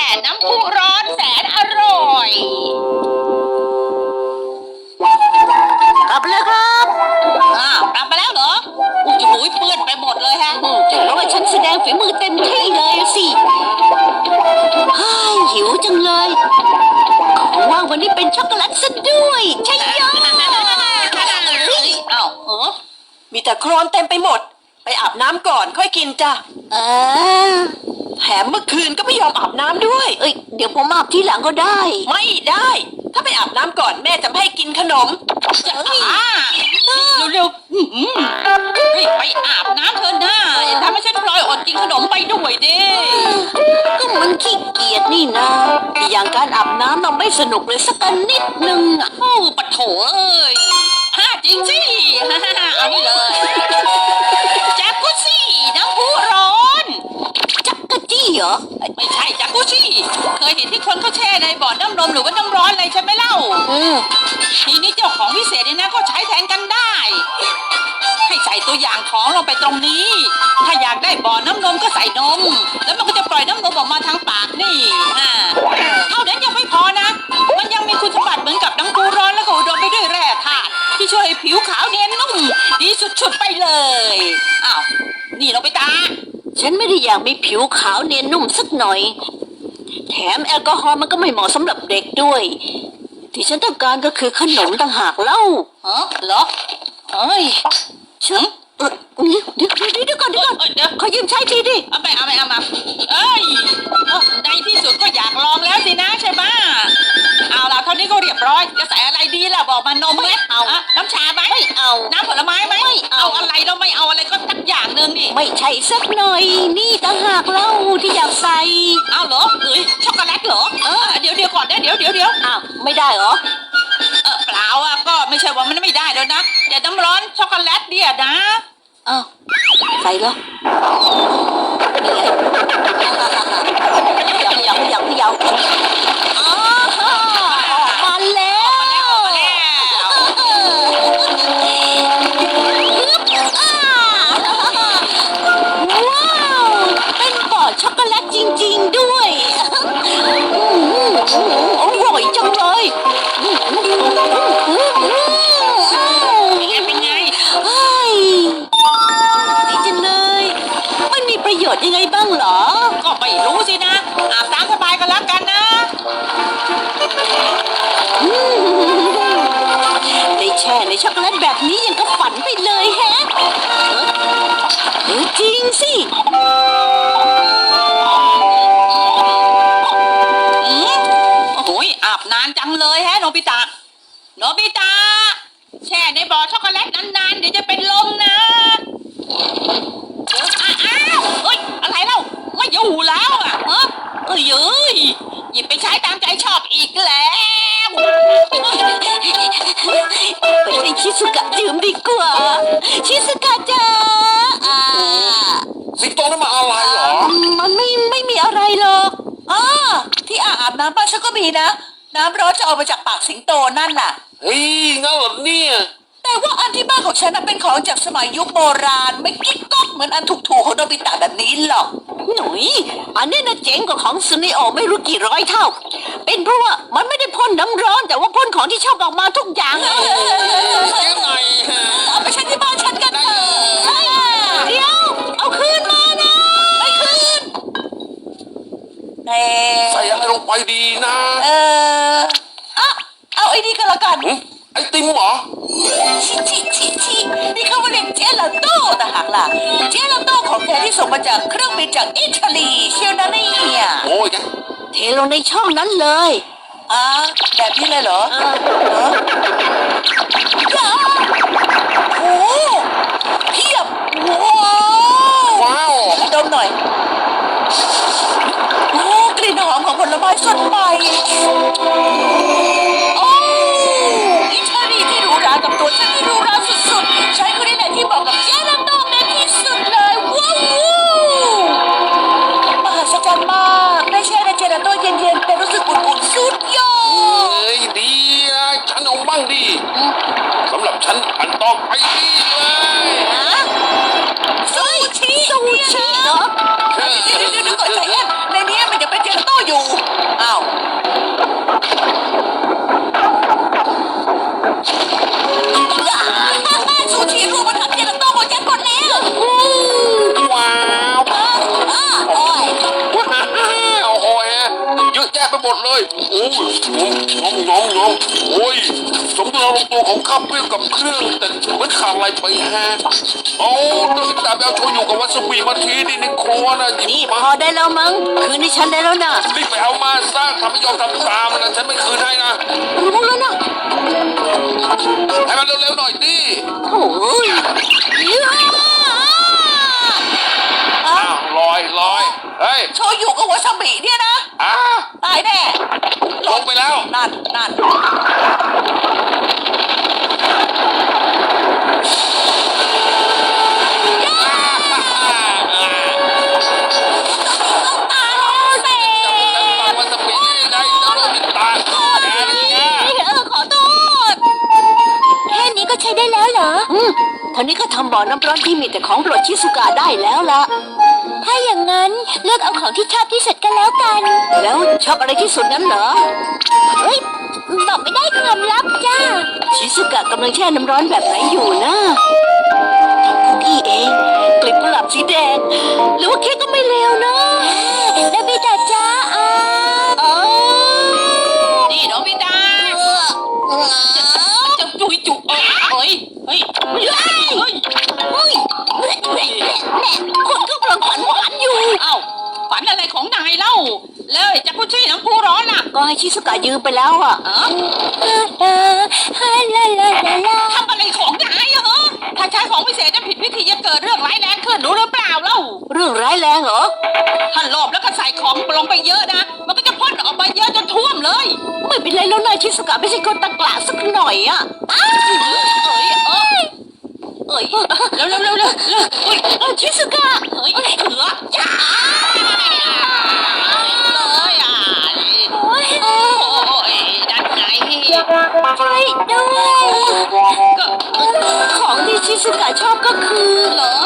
น้ำพุร้อนแสนอร่อยกลับแล้วครับกลับมาแล้วเหรออุ้ยจะหุยเปื้อนไปหมดเลยฮะเพราะว่าฉันแสดงฝีมือเต็มที่เลยสิหิวจังเลยของว่างวันนี้เป็นช็อกโกแลตซะด้วยใช่ยอมีแต่โคลนเต็มไปหมดไปอาบน้ำก่อนค่อยกินจ้ะแถมเมื่อคืนก็ไม่ยอมอาบน้ำด้วยเดี๋ยวผมอาบทีหลังก็ได้ไม่ได้ถ้าไปอาบน้ำก่อนแม่จะไม่ให้กินขนมเร็วไปอาบน้ำเถอะนะอย่าทำให้ฉันพลอยอดกินขนมไปด้วยดิก็มันขี้เกียจนี่นะอย่างการอาบน้ำเราไม่สนุกเลยสักนิดนึงปะโถเอ้ยจริงสิเอานี่เลยแจ็คกุซี่น้ำพุร้อนจักรจี้เหรอไม่ใช่แจ็คกุซี่เคยเห็นที่คนเขาแช่ในบ่อน้ำร้อนหรือว่าน้ำร้อนอะไรใช่ไหมเล่าทีนี้เจ้าของพิเศษนี่นะก็ใช้แทนกันได้ให้ใส่ตัวอย่างของลงไปตรงนี้ถ้าอยากได้บ่อน้ำนมก็ใส่นมแล้วมันก็จะปล่อยน้ำนมออกมาทางปากนี่เท่านั้นยังไม่พอนะมันยังมีคุณสมบัติเหมือนกับน้ำพุร้อนแล้วก็อุดมไปด้วยแร่ธาตุที่ช่วยให้ผิวขาวเนียนนุ่มดีสุดๆไปเลยนี่เราไปตาฉันไม่ได้อยากมีผิวขาวเนียนนุ่มสักหน่อยแถมแอลกอฮอล์มันก็ไม่เหมาะสำหรับเด็กด้วยที่ฉันต้องการก็คือขนมต่างหากเล่าเหรอเฮ้ยเดี๋ยวก่อนขอยืมใช้ทีดิเอามาในที่สุดก็อยากลองแล้วสินะใช่ไหมเอาล่ะเท่านี้ก็เรียบร้อยจะใส่อะไรดีล่ะบอกมานมไหมเอาน้ำชาไหมไม่เอาน้ำผลไม้ไหมไม่เอาอะไรเราไม่เอาอะไรก็สักอย่างหนึ่งนี่ไม่ใช่สักหน่อยนี่ต่างหากเล่าที่อยากใส่เอาเหรอช็อกโกแลตเหรอเดี๋ยวก่อนนะเดี๋ยวไม่ได้เหรอเปล่าก็ไม่ใช่ว่ามันไม่ได้แล้วนะแต่น้ำร้อนช็อกโกแลตเนี่ยนะใส่เหรอยาวมาแล้วว้าวเป็นบ่อช็อกโกแลตจริงๆด้วยอร่อยจังเลยเป็นไงดีจังเลยมันมีประโยชน์ยังไงบ้างเหรอก็ไม่รู้สินะอาบน้ำสบายกันแล้วกันนะได้แช่ในช็อกโกแลตแบบนี้ยังก็ฝันไปเลยแฮะจริงสิอาบนานจังเลยแฮะโนบิตะแช่ในบ่อช็อกโกแลตนานๆเดี๋ยวจะเป็นลมนะอะไรเล่าไม่อยู่แล้วหยิบไปใช้ตามใจชอบอีกแล้วไปให้ชิสุกะดื่มดีกว่าชิสุกะจ้าสิงโตนั่นมาอะไรเหรอมันไม่มีอะไรหรอกที่อาบน้ำบ้านฉันก็มีนะน้ำร้อนจะออกมาจากปากสิงโตนั่นน่ะเฮ้ยงั้นเหรอเนี่ยแต่ว่าอันที่บ้านของฉันน่ะเป็นของจากสมัยยุคโบราณไม่กิ๊กก๊อกเหมือนอันถูกๆของโนบิตะแบบนี้หรอกหนุ่ยอันนี้นะเจ๋งกว่าของซุนิโอไม่รู้กี่ร้อยเท่าเป็นเพราะว่ามันไม่ได้พ่นน้ำร้อนแต่ว่าพ่นของที่ชอบออกมาทุกอย่างยังไงเอาไปใช้ที่บ้านฉันกันเถอะเดี๋ยวเอาคืนมานะไม่คืนใส่อะไรลงไปดีนะเอาไอ้นี่ก็แล้วกันไอติมเหรอชินี่เขาเรียกเจลาโต้ต่างหากล่ะเจลาโต้ของแท้ที่ส่งมาจากเครื่องบินจากอิตาลีเชียวนะเนี่ยโอ้ยเทลงในช่องนั้นเลยแบบนี้เลยเหรอโอ้เพียบว้าวดมหน่อยกลิ่นหอมของผลไม้สดใหม่อิตาลีที่หรูหรากับตัวฉันที่หรูหราสุดๆใช้คนนี้แหละที่บอกกับเจลาโต้เด็ดที่สุดเลยว้าวมหัศจรรย์มากได้แช่ในเจลาโต้เย็นๆแต่รู้สึกอุ่นๆสุดยอดดีฉันเอาบ้างดิสำหรับฉันอันต่อไปนี่เลยซูชิเหรอเดี๋ยวก่อนใจเย็นในนี้มันจะเป็นเจลาโต้อยู่เลยโอ้ยงอมโอ้ยสมดุลลงตัวของข้าวเปรี้ยวกับเครื่องแต่เหมือนขาดอะไรไปแฮะเอาต้องตามไปเอาโชยุกับวาซาบิมาทีนี่ในครัวนะหยินี่บพมาอได้แล้วมั้งคืนนี้ฉันได้แล้วนะรีบไปเอามาซะทำไม่ยอมทำตามนะฉันไม่คืนให้นะรู้แล้วนะให้มันเร็วๆหน่อยดิโอ้ยเยอะอ้าวลอยเฮ้ยโชยุกับวาซาบิเนี่ยนะอ่ะตายแน่ลงไปแล้วนั่นตายแล้วเสวาซาบิได้แล้วโดนตาแกนี่ไงขอโทษแค่นี้ก็ใช้ได้แล้วเหรอท่านี้ก็ทำบ่อน้ำร้อนที่มีแต่ของโปรดชิสุกะได้แล้วล่ะ ถ้าอย่างนั้นเลือกเอาของที่ชอบที่สุดก็แล้วกัน แล้วชอบอะไรที่สุดนั้นเหรอ เฮ้ย บอกไม่ได้ความลับจ้า ชิสุกะกำลังแช่น้ำร้อนแบบไหนอยู่นะทำคุกกี้เอง กลีบกุหลาบสีแดง หรือว่าเค้กก็ไม่เลวนะนาบิตาจ้านี่โนบิตะจะจุยจุเอ้ยเฮ้ยคนก็กำลังฝันหวานอยู่เอ้าฝันอะไรของนายเล่าแล้วไอ้จักรุชี่น้ำพุร้อนน่ะก็ให้ชิสุกะยืมไปแล้วอ่ะทำอะไรของนายอะเหรอถ้าใช้ของพิเศษจะผิดวิธีจะเกิดเรื่องร้ายแรงขึ้นรู้หรือเปล่าเล่าเรื่องร้ายแรงเหรอถ้าหลบแล้วก็ใส่ของลงไปเยอะนะ มันก็จะพ่นออกมาเยอะจนท่วมเลยไม่เป็นไรแล้วนายชิสุกะไม่ใช่คนตะกละสักหน่อยอ่ะเอ้ยเร็วอุ้ยชิสุกะเฮ้ยเถือจ้าเลยอ่ะโอ้ยนั่นไงช่วยด้วยก็ของที่ชิสุกะชอบก็คือเหรอ